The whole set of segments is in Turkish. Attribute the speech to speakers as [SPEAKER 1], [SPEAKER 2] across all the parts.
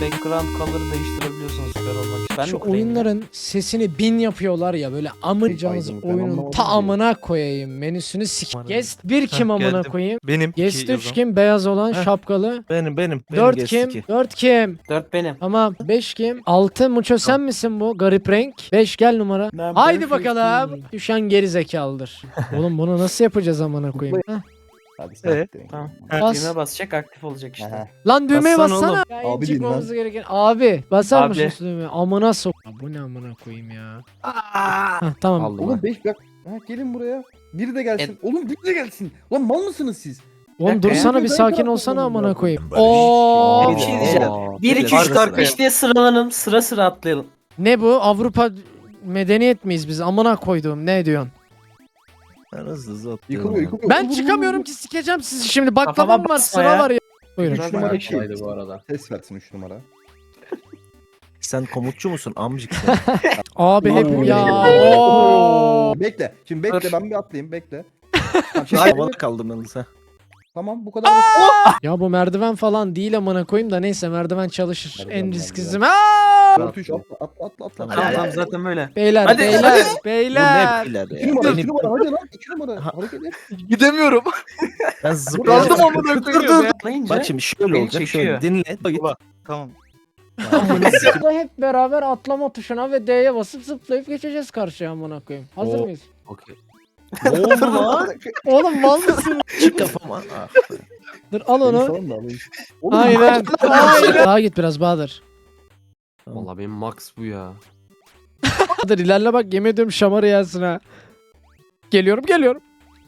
[SPEAKER 1] background color'ı değiştirebiliyorsunuz süper olmak için. Ben
[SPEAKER 2] Şu
[SPEAKER 1] mi kurayım ya?
[SPEAKER 2] oyunların sesini 1000 yapıyorlar ya böyle amacağınız
[SPEAKER 3] Aydın, ben
[SPEAKER 2] oyunun
[SPEAKER 3] anlamadım
[SPEAKER 2] ta
[SPEAKER 3] ki.
[SPEAKER 2] amına koyayım menüsünü sik. Guest 1 kim
[SPEAKER 4] Heh,
[SPEAKER 2] amına
[SPEAKER 4] geldim.
[SPEAKER 2] koyayım?
[SPEAKER 4] Benim.
[SPEAKER 2] Guest
[SPEAKER 4] İki
[SPEAKER 2] 3
[SPEAKER 4] yazan.
[SPEAKER 2] kim? Beyaz olan
[SPEAKER 4] Heh.
[SPEAKER 2] şapkalı.
[SPEAKER 4] Benim
[SPEAKER 2] 4
[SPEAKER 4] guest
[SPEAKER 2] kim?
[SPEAKER 4] iki.
[SPEAKER 2] 4 kim?
[SPEAKER 1] 4 benim.
[SPEAKER 2] Tamam 5 kim? 6 Muço sen misin bu? Garip renk. 5 gel numara.
[SPEAKER 1] Ben
[SPEAKER 2] Haydi
[SPEAKER 1] beş
[SPEAKER 2] bakalım.
[SPEAKER 1] beşim.
[SPEAKER 2] Düşen geri zekalıdır. Oğlum bunu nasıl yapacağız amına koyayım? Heh.
[SPEAKER 3] Hadi sen direkt.
[SPEAKER 1] Tamam.
[SPEAKER 2] Bas.
[SPEAKER 1] Düğme basacak aktif olacak işte.
[SPEAKER 3] Aha.
[SPEAKER 2] Lan düğmeye
[SPEAKER 4] Bassana
[SPEAKER 2] bassana.
[SPEAKER 4] oğlum.
[SPEAKER 2] Ya,
[SPEAKER 3] Abi
[SPEAKER 2] çıkmamız
[SPEAKER 3] diyeyim
[SPEAKER 2] gereken. Abi basar
[SPEAKER 1] Abi.
[SPEAKER 2] mısın şu düğmeye? Amına sok. Ya bu ne amına koyayım ya. Heh, tamam.
[SPEAKER 5] Aldım
[SPEAKER 3] Oğlum
[SPEAKER 5] ha.
[SPEAKER 3] 5 bak. Ha, gelin buraya. Biri de gelsin. Oğlum biri de gelsin. Lan mal mısınız siz?
[SPEAKER 2] Oğlum
[SPEAKER 1] dakika ya.
[SPEAKER 2] dursana bir
[SPEAKER 3] Ben
[SPEAKER 2] sakin
[SPEAKER 3] taraftarım
[SPEAKER 2] olsana amına
[SPEAKER 3] ya.
[SPEAKER 2] koyayım.
[SPEAKER 4] Barış.
[SPEAKER 2] Oo.
[SPEAKER 1] Bir şey diyeceğim.
[SPEAKER 5] Aa,
[SPEAKER 1] 1 2
[SPEAKER 4] Arka
[SPEAKER 1] 3 4
[SPEAKER 4] sıraya.
[SPEAKER 1] 5 diye sıralanalım. Sıra sıra atlayalım.
[SPEAKER 2] Ne bu? Avrupa medeniyet miyiz biz? Amına koyduğum ne diyorsun?
[SPEAKER 4] Ben hızlı atlıyorum.
[SPEAKER 3] Yıkılıyor yıkılıyor.
[SPEAKER 2] Ben çıkamıyorum ki sikeceğim sizi şimdi. Baklavam
[SPEAKER 1] Kafama
[SPEAKER 2] var,
[SPEAKER 1] basma
[SPEAKER 2] sıra
[SPEAKER 1] ya.
[SPEAKER 2] var ya. Buyurun.
[SPEAKER 3] 3 numara
[SPEAKER 5] Bayağı
[SPEAKER 3] şey.
[SPEAKER 5] kolaydı bu arada.
[SPEAKER 3] Ses versin 3 numara.
[SPEAKER 4] Sen komutçu musun amcık sen?
[SPEAKER 2] Abi hep
[SPEAKER 3] Oo.
[SPEAKER 2] ya. Oo.
[SPEAKER 3] Bekle. Şimdi bekle
[SPEAKER 1] Dur.
[SPEAKER 3] ben bir atlayayım bekle. Tamam, şimdi
[SPEAKER 4] Havada kaldım yalnız ha.
[SPEAKER 3] tamam bu kadar basit.
[SPEAKER 2] Ya bu merdiven falan değil amına koyayım da neyse merdiven çalışır.
[SPEAKER 3] Merdiven,
[SPEAKER 2] En
[SPEAKER 3] merdiven.
[SPEAKER 2] risklisi. Aa!
[SPEAKER 3] 4 3 atla atla atla atla.
[SPEAKER 4] Tamam.
[SPEAKER 1] Tamam tamam zaten böyle.
[SPEAKER 2] Beyler,
[SPEAKER 1] Hadi,
[SPEAKER 2] beyler,
[SPEAKER 1] hadi.
[SPEAKER 4] Bu
[SPEAKER 2] beyler.
[SPEAKER 4] ne beyler
[SPEAKER 3] 2
[SPEAKER 4] ya?
[SPEAKER 3] numara 2
[SPEAKER 4] Benim,
[SPEAKER 3] numara hadi lan 2 numara.
[SPEAKER 4] Ha.
[SPEAKER 3] Hareket et.
[SPEAKER 4] gidemiyorum. Ben
[SPEAKER 3] Kaldım
[SPEAKER 4] zıplayacağım.
[SPEAKER 1] amına koyayım ya. Atlayınca
[SPEAKER 4] Bak şimdi şöyle
[SPEAKER 1] Beni
[SPEAKER 4] olacak.
[SPEAKER 1] çekiyor.
[SPEAKER 4] Şöyle dinle. Bak git.
[SPEAKER 6] Tamam.
[SPEAKER 2] Burada hep beraber atlama tuşuna ve D'ye basıp zıplayıp geçeceğiz karşıya amına koyayım. Hazır
[SPEAKER 4] Oo.
[SPEAKER 2] mıyız?
[SPEAKER 5] Okey.
[SPEAKER 4] Ne oldu lan?
[SPEAKER 2] Oğlum mal mısın?
[SPEAKER 4] Çık kafama. Ah.
[SPEAKER 2] Dur al
[SPEAKER 3] Beni
[SPEAKER 2] onu.
[SPEAKER 3] salın da alayım. Oğlum,
[SPEAKER 2] Aynen. Aynen. Daha git biraz Bahadır.
[SPEAKER 5] Valla benim max bu ya.
[SPEAKER 2] Bahadır ilerle bak yemin ediyorum şamarı yersin ha. Geliyorum geliyorum.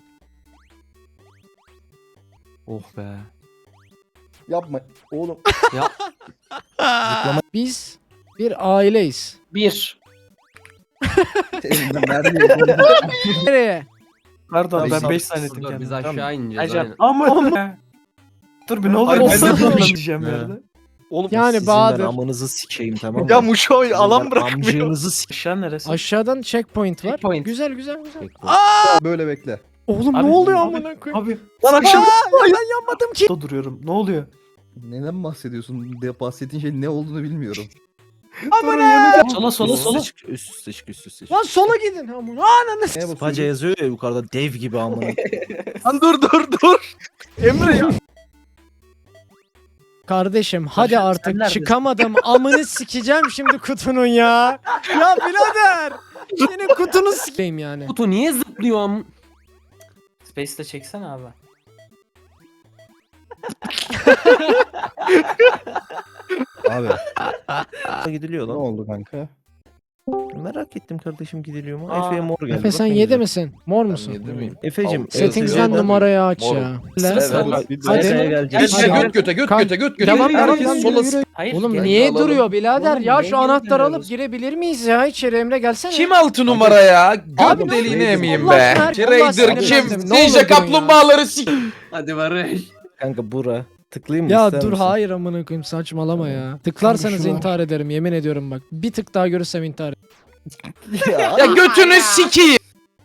[SPEAKER 5] Oh be.
[SPEAKER 3] Yapma. Oğlum.
[SPEAKER 2] Biz bir aileyiz.
[SPEAKER 1] 1.
[SPEAKER 3] Elimden vermiyor.
[SPEAKER 2] Nereye?
[SPEAKER 1] Pardon ben
[SPEAKER 4] Tamam,
[SPEAKER 1] 5 zannettim
[SPEAKER 5] Dur, biz
[SPEAKER 1] kendimi.
[SPEAKER 5] aşağı ineceğiz.
[SPEAKER 1] Acaba
[SPEAKER 5] Aynen.
[SPEAKER 1] ama dur bir ne oluyor?
[SPEAKER 6] Ay,
[SPEAKER 1] Ben
[SPEAKER 6] ben
[SPEAKER 1] de
[SPEAKER 6] de
[SPEAKER 1] anlamayacağım
[SPEAKER 5] He.
[SPEAKER 1] yerde.
[SPEAKER 6] Oğlum
[SPEAKER 2] Yani
[SPEAKER 4] Sizin
[SPEAKER 2] Bahadır.
[SPEAKER 4] ben amınızı sikeyim tamam mı?
[SPEAKER 6] ya Muşo alan
[SPEAKER 4] Sizin ben
[SPEAKER 6] bırakmıyor.
[SPEAKER 4] Amcığınızı sikeyim.
[SPEAKER 1] Aşağı neresi?
[SPEAKER 2] Aşağıdan checkpoint var.
[SPEAKER 1] Checkpoint.
[SPEAKER 2] Güzel güzel güzel.
[SPEAKER 5] Bekle.
[SPEAKER 3] Böyle bekle.
[SPEAKER 2] Oğlum
[SPEAKER 1] Abi,
[SPEAKER 2] ne oluyor
[SPEAKER 1] abi,
[SPEAKER 2] amına koyayım?
[SPEAKER 1] Abi lan aşağı
[SPEAKER 2] Ben yanmadım ki.
[SPEAKER 1] duruyorum. Ne oluyor?
[SPEAKER 3] Neden bahsediyorsun? Bahsettiğin şey ne olduğunu bilmiyorum.
[SPEAKER 1] Sola sola sola.
[SPEAKER 4] Üst üste çık üst üste çık.
[SPEAKER 2] Lan sola gidin amına. Ananı.
[SPEAKER 3] Neye
[SPEAKER 4] Spaca
[SPEAKER 3] basıyorsun?
[SPEAKER 4] yazıyor ya yukarıda dev gibi amına.
[SPEAKER 6] Lan dur. Emre ya.
[SPEAKER 2] Kardeşim hadi
[SPEAKER 1] sen
[SPEAKER 2] artık
[SPEAKER 1] neredesin?
[SPEAKER 2] çıkamadım. Amını sikeceğim şimdi kutunun ya. Ya birader. Senin kutunu sikeyim yani.
[SPEAKER 5] Kutu niye zıplıyor am?
[SPEAKER 1] Space'de çeksene abi.
[SPEAKER 3] Abi
[SPEAKER 4] Gidiliyor
[SPEAKER 3] ne
[SPEAKER 4] lan.
[SPEAKER 3] oldu kanka?
[SPEAKER 4] Merak ettim kardeşim gidiliyor mu?
[SPEAKER 1] Aa,
[SPEAKER 4] Efe'ye mor geldi.
[SPEAKER 2] Efe sen
[SPEAKER 4] Bak ne
[SPEAKER 2] 7
[SPEAKER 4] güzel.
[SPEAKER 2] misin? Mor musun?
[SPEAKER 6] Yedi miyim?
[SPEAKER 4] Efe'cim.
[SPEAKER 2] Settings'den
[SPEAKER 4] Efe'den-
[SPEAKER 2] numarayı aç
[SPEAKER 6] Mor.
[SPEAKER 2] ya.
[SPEAKER 1] Sıra
[SPEAKER 2] Lan.
[SPEAKER 1] sıra.
[SPEAKER 2] Hadi.
[SPEAKER 4] Efe'ye gelecek.
[SPEAKER 2] Hadi.
[SPEAKER 6] Göt göte göt
[SPEAKER 2] Kan-
[SPEAKER 6] göte göt göte.
[SPEAKER 2] Devam
[SPEAKER 6] Herkes
[SPEAKER 2] devam
[SPEAKER 6] sola
[SPEAKER 2] yürü.
[SPEAKER 1] Hayır.
[SPEAKER 2] Oğlum
[SPEAKER 1] gel-
[SPEAKER 2] niye
[SPEAKER 6] alalım.
[SPEAKER 2] duruyor birader?
[SPEAKER 1] Oğlum,
[SPEAKER 2] Ya
[SPEAKER 1] niye
[SPEAKER 2] şu anahtarı alıp
[SPEAKER 1] giremiyoruz?
[SPEAKER 2] girebilir miyiz ya? İçeri Emre gelsene.
[SPEAKER 6] Kim 6 numara ya?
[SPEAKER 2] Abi
[SPEAKER 6] Göt
[SPEAKER 2] ne
[SPEAKER 6] deliğini
[SPEAKER 3] yapıyorsun?
[SPEAKER 6] emeyim
[SPEAKER 2] Allah
[SPEAKER 6] be.
[SPEAKER 2] aşkına, Allah
[SPEAKER 6] Trader
[SPEAKER 2] aşkına
[SPEAKER 6] kim?
[SPEAKER 2] bırakın. Ne olur
[SPEAKER 6] Ninja
[SPEAKER 2] durun
[SPEAKER 6] kaplumbağaları sik.
[SPEAKER 5] Hadi Barış.
[SPEAKER 4] Kanka bura. Tıklayayım mı
[SPEAKER 2] Ya
[SPEAKER 4] ister
[SPEAKER 2] dur
[SPEAKER 4] misin?
[SPEAKER 2] hayır amına koyayım saçmalama ya. Tıklarsanız
[SPEAKER 3] Şuna.
[SPEAKER 2] intihar ederim yemin ediyorum bak. Bir tık daha görürsem intihar ederim.
[SPEAKER 6] Ya götünü sikeyim.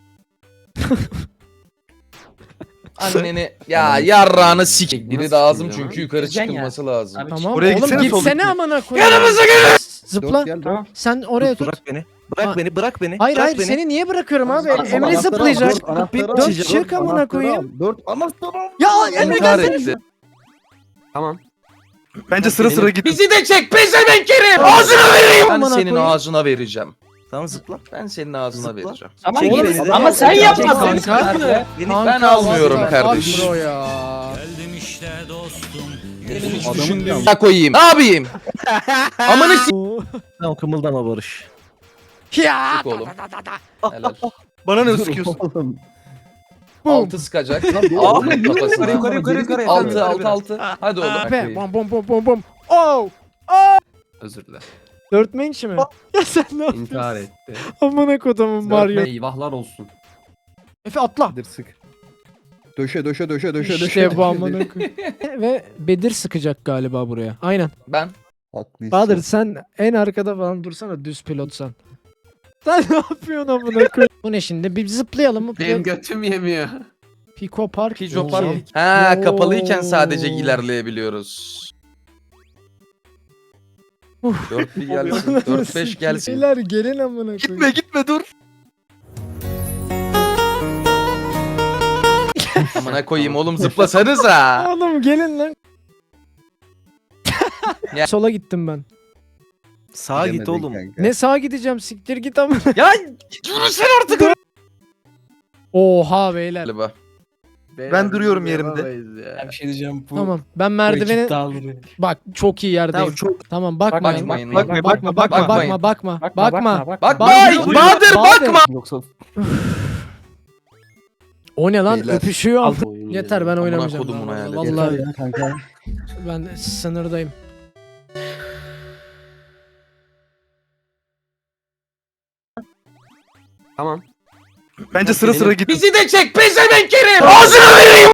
[SPEAKER 6] Anneni ya yarrağını sik. Biri
[SPEAKER 5] Nasıl
[SPEAKER 6] lazım
[SPEAKER 5] çıkıyor
[SPEAKER 6] çünkü
[SPEAKER 5] lan?
[SPEAKER 6] yukarı
[SPEAKER 1] Gideceksin
[SPEAKER 6] çıkılması lazım.
[SPEAKER 1] Abi,
[SPEAKER 2] Tamam
[SPEAKER 6] Oraya
[SPEAKER 2] oğlum
[SPEAKER 6] gitsene,
[SPEAKER 2] gitsene
[SPEAKER 6] sol
[SPEAKER 2] amına koyayım.
[SPEAKER 6] Yanımıza gel.
[SPEAKER 2] Zıpla.
[SPEAKER 3] Dört gel,
[SPEAKER 1] Tamam.
[SPEAKER 2] Sen oraya tut.
[SPEAKER 4] Bırak beni. Bırak
[SPEAKER 2] Ha.
[SPEAKER 4] beni. Bırak beni.
[SPEAKER 2] Hayır
[SPEAKER 4] bırak
[SPEAKER 2] hayır
[SPEAKER 4] beni.
[SPEAKER 2] seni niye bırakıyorum abi?
[SPEAKER 1] Sana-
[SPEAKER 2] Emre
[SPEAKER 3] Anahtarı al,
[SPEAKER 2] zıplayacak.
[SPEAKER 3] dört anahtarı al,
[SPEAKER 2] Dört
[SPEAKER 3] dört
[SPEAKER 2] çık amına
[SPEAKER 3] anahtarı
[SPEAKER 2] koyayım.
[SPEAKER 3] al, 4 anahtarı al.
[SPEAKER 2] Ya Emre
[SPEAKER 6] İntihar
[SPEAKER 2] gelsene.
[SPEAKER 6] etti.
[SPEAKER 5] Tamam.
[SPEAKER 6] Bence sıra sıra git.
[SPEAKER 5] Bizi
[SPEAKER 6] de çek pezevenkerim. Ağzına vereyim. Ben
[SPEAKER 2] Amına
[SPEAKER 6] senin
[SPEAKER 2] koyayım.
[SPEAKER 6] ağzına vereceğim.
[SPEAKER 4] Tamam zıpla.
[SPEAKER 6] Ben senin ağzına
[SPEAKER 4] Zıpla.
[SPEAKER 6] vereceğim.
[SPEAKER 1] Ama,
[SPEAKER 4] Çek
[SPEAKER 1] oğlum,
[SPEAKER 4] beni de.
[SPEAKER 1] ama sen
[SPEAKER 4] Çek
[SPEAKER 1] yapmadın.
[SPEAKER 2] kanka.
[SPEAKER 4] Beni
[SPEAKER 6] Ben almıyorum
[SPEAKER 2] what the fuck
[SPEAKER 6] kardeşim.
[SPEAKER 2] bro ya.
[SPEAKER 6] Benim hiç
[SPEAKER 3] Adamın
[SPEAKER 6] düşündüğüm
[SPEAKER 3] yanlış.
[SPEAKER 6] ya koyayım. Ne yapayım? Amanı s***
[SPEAKER 4] Tamam kımıldama Barış.
[SPEAKER 2] Ya.
[SPEAKER 6] oğlum. Helal. Bana ne
[SPEAKER 3] Dur
[SPEAKER 6] sıkıyorsun?
[SPEAKER 3] oğlum.
[SPEAKER 6] Altı sıkacak.
[SPEAKER 3] Aa,
[SPEAKER 6] Altı kafasına.
[SPEAKER 5] yukarı.
[SPEAKER 6] Altı altı altı. Hadi oğlum.
[SPEAKER 2] Be, bom bom bom bom bom. Oh.
[SPEAKER 5] Özür dile.
[SPEAKER 2] Dörtme inç mi? Ya sen ne yapıyorsun?
[SPEAKER 5] İntihar etti.
[SPEAKER 2] Amına kodumun Mario.
[SPEAKER 5] Eyvahlar olsun.
[SPEAKER 2] Efe atla.
[SPEAKER 3] Bedir sık. Döşe döşe döşe döşe döşe.
[SPEAKER 2] İşte bu amına koyayım. Ve Bedir sıkacak galiba buraya. Aynen.
[SPEAKER 6] Ben.
[SPEAKER 3] Haklısın.
[SPEAKER 2] Bahadır sen en arkada falan dursana düz pilotsan. Sen ne yapıyorsun amına koyayım? Bu ne şimdi? Bir zıplayalım mı?
[SPEAKER 5] Benim götüm yemiyor.
[SPEAKER 2] Pico Park.
[SPEAKER 6] Pico
[SPEAKER 2] Oo.
[SPEAKER 6] Park. Ha
[SPEAKER 2] Oo.
[SPEAKER 6] kapalıyken sadece ilerleyebiliyoruz. 4 bir gelsin. 4-5 gelsin.
[SPEAKER 2] Beyler gelin amına koyayım.
[SPEAKER 4] Gitme gitme dur.
[SPEAKER 6] Amına koyayım oğlum zıplasanıza.
[SPEAKER 2] Oğlum gelin lan.
[SPEAKER 6] Ya.
[SPEAKER 2] Sola gittim ben.
[SPEAKER 4] Sağa git
[SPEAKER 3] Gidemedin
[SPEAKER 4] oğlum.
[SPEAKER 3] kanka.
[SPEAKER 2] Ne sağa gideceğim siktir git amına.
[SPEAKER 6] Ya yürüsene artık.
[SPEAKER 2] Oha beyler.
[SPEAKER 6] Galiba.
[SPEAKER 4] Ben duruyorum yerimde.
[SPEAKER 1] Ben bir şey diyeceğim. Bu,
[SPEAKER 2] Tamam ben
[SPEAKER 1] bu
[SPEAKER 2] merdiveni
[SPEAKER 1] ekip dağılır beni.
[SPEAKER 2] bak çok iyi yerdeyim.
[SPEAKER 4] Tamam çok
[SPEAKER 2] Tamam bakma.
[SPEAKER 6] Bakmayın.
[SPEAKER 4] bakma bakma bakma.
[SPEAKER 6] Bakmayın.
[SPEAKER 2] Bakma.
[SPEAKER 6] Bakma.
[SPEAKER 2] Bahadır,
[SPEAKER 6] Bahadır bakma.
[SPEAKER 1] Yoksa
[SPEAKER 2] O ne lan
[SPEAKER 6] Beyler.
[SPEAKER 2] öpüşüyor.
[SPEAKER 1] al.
[SPEAKER 2] Yeter ben oynamayacağım.
[SPEAKER 6] kodumun hayali.
[SPEAKER 2] Vallahi
[SPEAKER 3] Yeter ya kanka.
[SPEAKER 2] ben sınırdayım.
[SPEAKER 5] Tamam.
[SPEAKER 4] Bence sıra sıra git.
[SPEAKER 6] Bizi de çek pezevenk herif. Ağzına vereyim.